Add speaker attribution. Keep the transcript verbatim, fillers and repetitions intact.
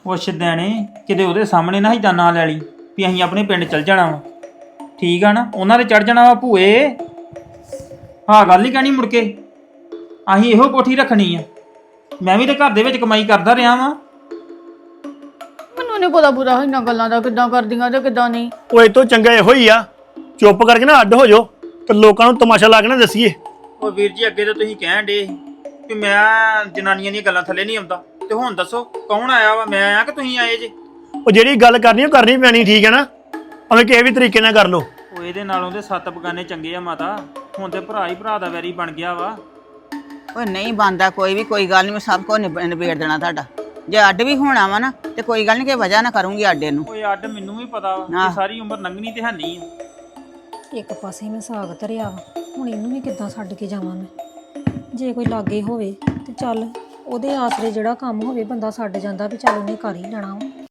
Speaker 1: ਉਹ ਸ਼ਦੈਣੇ ਕਿਤੇ ਉਹਦੇ ਸਾਹਮਣੇ ਨਾ ਏਦਾਂ ਨਾ ਲੈ ਲਈ ਵੀ ਅਸੀਂ ਆਪਣੇ ਪਿੰਡ ਚੱਲ ਜਾਣਾ ਵਾ। ਠੀਕ ਆ ਨਾ, ਉਹਨਾਂ ਦੇ ਚੜ ਜਾਣਾ ਵਾ ਭੂਏ। ਹਾਂ ਗੱਲ ਹੀ ਕਹਿਣੀ ਮੁੜ ਕੇ ਅਸੀਂ ਇਹੋ ਕੋਠੀ ਰੱਖਣੀ ਆ। ਮੈਂ ਵੀ ਤੇ ਘਰ ਦੇ ਵਿੱਚ ਕਮਾਈ ਕਰਦਾ ਰਿਹਾ ਵਾਂ।
Speaker 2: ਮੈਨੂੰ ਨਹੀਂ ਪਤਾ ਪੂਰਾ ਇਹਨਾਂ ਗੱਲਾਂ ਦਾ ਕਿੱਦਾਂ ਕਰਦੀਆਂ ਤੇ ਕਿੱਦਾਂ ਨਹੀਂ।
Speaker 3: ਉਹ ਇਹ ਤੋਂ ਚੰਗਾ ਇਹੋ ਹੀ ਆ, ਚੁੱਪ ਕਰਕੇ ਨਾ ਅੱਡ ਹੋ ਜਾਓ ਤੇ ਲੋਕਾਂ ਨੂੰ ਤਮਾਸ਼ਾ ਲਾ ਕੇ ਨਾ ਦੱਸੀਏ।
Speaker 1: ਉਹ ਵੀਰ ਜੀ ਅੱਗੇ ਤਾਂ ਤੁਸੀਂ ਕਹਿਣ ਡੇ ਕਿ ਮੈਂ ਜਨਾਨੀਆਂ ਦੀਆਂ ਗੱਲਾਂ ਥੱਲੇ ਨਹੀਂ ਆਉਂਦਾ, ਤੇ ਹੁਣ ਦੱਸੋ ਕੌਣ ਆਇਆ ਵਾ? ਮੈਂ ਆਇਆ ਕਿ ਤੁਸੀਂ ਆਏ ਜੇ?
Speaker 3: ਉਹ ਜਿਹੜੀ ਗੱਲ ਕਰਨੀ ਉਹ ਕਰਨੀ ਪੈਣੀ, ਠੀਕ ਹੈ ਨਾ? ਭਾਵੇਂ ਕਿਸੇ ਵੀ ਤਰੀਕੇ ਨਾਲ ਕਰ ਲਓ।
Speaker 1: ਉਹ ਇਹਦੇ ਨਾਲੋਂ ਤੇ ਸੱਤ ਬਗਾਨੇ ਚੰਗੇ ਆ ਮਾਤਾ। ਹੁਣ ਤੇ ਭਰਾ ਹੀ ਭਰਾ ਦਾ ਵੈਰੀ ਬਣ ਗਿਆ ਵਾ।
Speaker 4: ਓਏ ਨਹੀਂ ਬਣਦਾ ਕੋਈ ਵੀ, ਕੋਈ ਗੱਲ ਨਹੀਂ, ਮੈਂ ਸਭ ਕੁਝ ਨਿਬ- ਨਿਬੇੜ ਦੇਣਾ ਤੁਹਾਡਾ। ਜੇ ਅੱਡ ਵੀ ਹੋਣਾ ਵਾ ਨਾ ਤੇ ਕੋਈ ਗੱਲ ਨਹੀਂ, ਕਿ ਵਜ੍ਹਾ ਨਾ ਕਰੂੰਗੀ ਆਡੇ ਨੂੰ।
Speaker 1: ਓਏ ਅੱਡ ਮੈਨੂੰ ਵੀ ਪਤਾ ਵਾ
Speaker 4: ਆਹ।
Speaker 1: ਕਿ ਸਾਰੀ ਉਮਰ ਲੰਘਣੀ ਤੇ ਹੈ ਨਹੀਂ ਆ।
Speaker 5: ਇੱਕ ਪਾਸੇ ਮੈਂ ਸਾਗ ਧਰਿਆ ਵਾ, ਹੁਣ ਇਹਨੂੰ ਵੀ ਕਿੱਦਾਂ ਛੱਡ ਕੇ ਜਾਵਾਂ ਮੈਂ? ਜੇ ਕੋਈ ਲਾਗੇ ਹੋਵੇ ਤੇ ਚੱਲ ਉਹਦੇ ਆਸਰੇ ਜਿਹੜਾ ਕੰਮ ਹੋਵੇ ਬੰਦਾ ਛੱਡ ਜਾਂਦਾ ਵੀ ਚੱਲ ਉਹਨੇ ਕਰ ਹੀ ਲੈਣਾ ਵਾ।